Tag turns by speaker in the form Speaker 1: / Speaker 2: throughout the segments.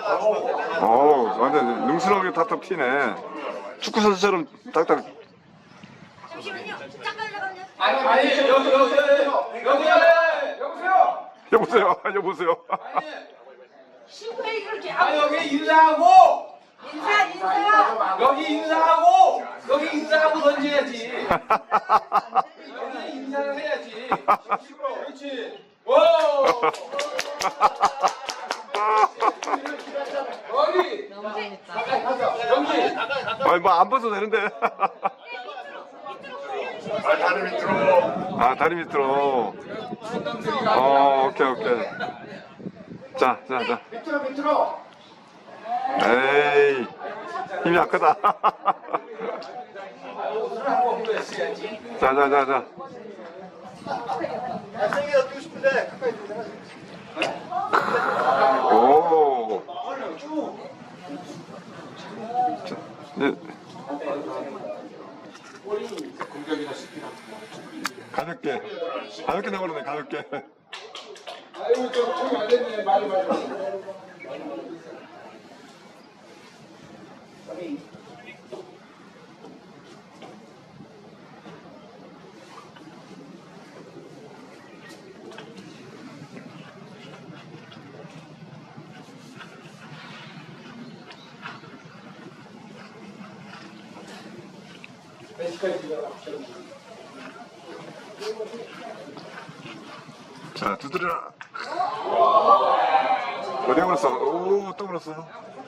Speaker 1: 완전 능수렁하게 탁탁 튀네. 축구 선수처럼 딱딱.
Speaker 2: 잠시만요. 잠깐만요.
Speaker 3: 아니 여보세요.
Speaker 1: 여보세요.
Speaker 2: 신부에 이렇게
Speaker 3: 아니 여기 인사하고
Speaker 2: 인사.
Speaker 3: 여기 인사하고 던져야지. 여기 인사를 해야지. 그렇지. 오. 여기 여기
Speaker 1: 아니 뭐 안 벗어도 되는데.
Speaker 4: 다리 밑으로.
Speaker 1: 아 다리 밑으로. 오케이. 자.
Speaker 4: 밑으로.
Speaker 1: 에이 힘이 약하다. 자.
Speaker 4: 생이가 뛰고 싶은데 가까이 들어.
Speaker 1: 오. 자, 이제 가볍게 나오네 가볍게.
Speaker 3: 아이고 저기 안 됐네. 말이.
Speaker 1: 자 두드려라. 어디 걸었어? 오또 걸었어.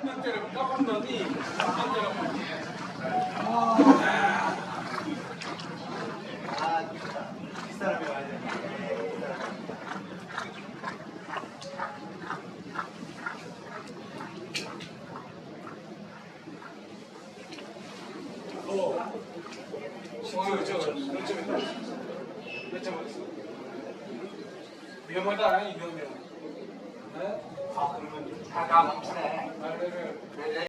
Speaker 3: 위험하다 이경명. 네? 아 그러면 다 멈추네.